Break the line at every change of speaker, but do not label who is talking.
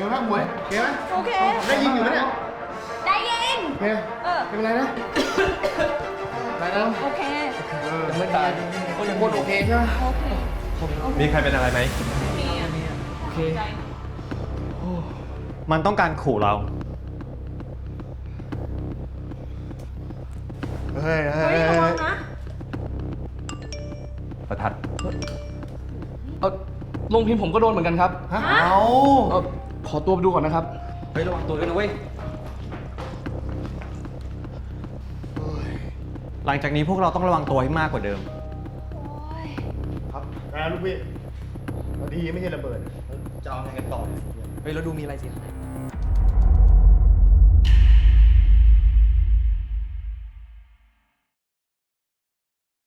ไงบ้างหมวยโอเคไหม
โอเค
ได้ยินอยู่ไหมเนี่ย
ได้ยิน
โอเคไม่เป็นไรนะได้แล้ว
โอเค
ยังไม่ตายก็ยังพูดโอเคใช่ไหม
โอเค
มีใครเป็นอะไรไหม
โอเค
มันต้องการขู่เรา
เฮ้ย
เฮ้ยระวังนะ
ประทัด
ลงพิมพ์ผมก็โดนเหมือนกันครับ
ฮะเอา
ขอตัวไปดูก่อนนะครับ
เฮ้ยระวังตัวด้วยนะเว้ย หลังจากนี้พวกเราต้องระวังตัวให้มากกว่าเดิม
ครับนะลูกพี่พอดีไม่ใช่ระเบิดจะเอาไงกันต่อ
เฮ้ยแล้วดูมีอะไรสิ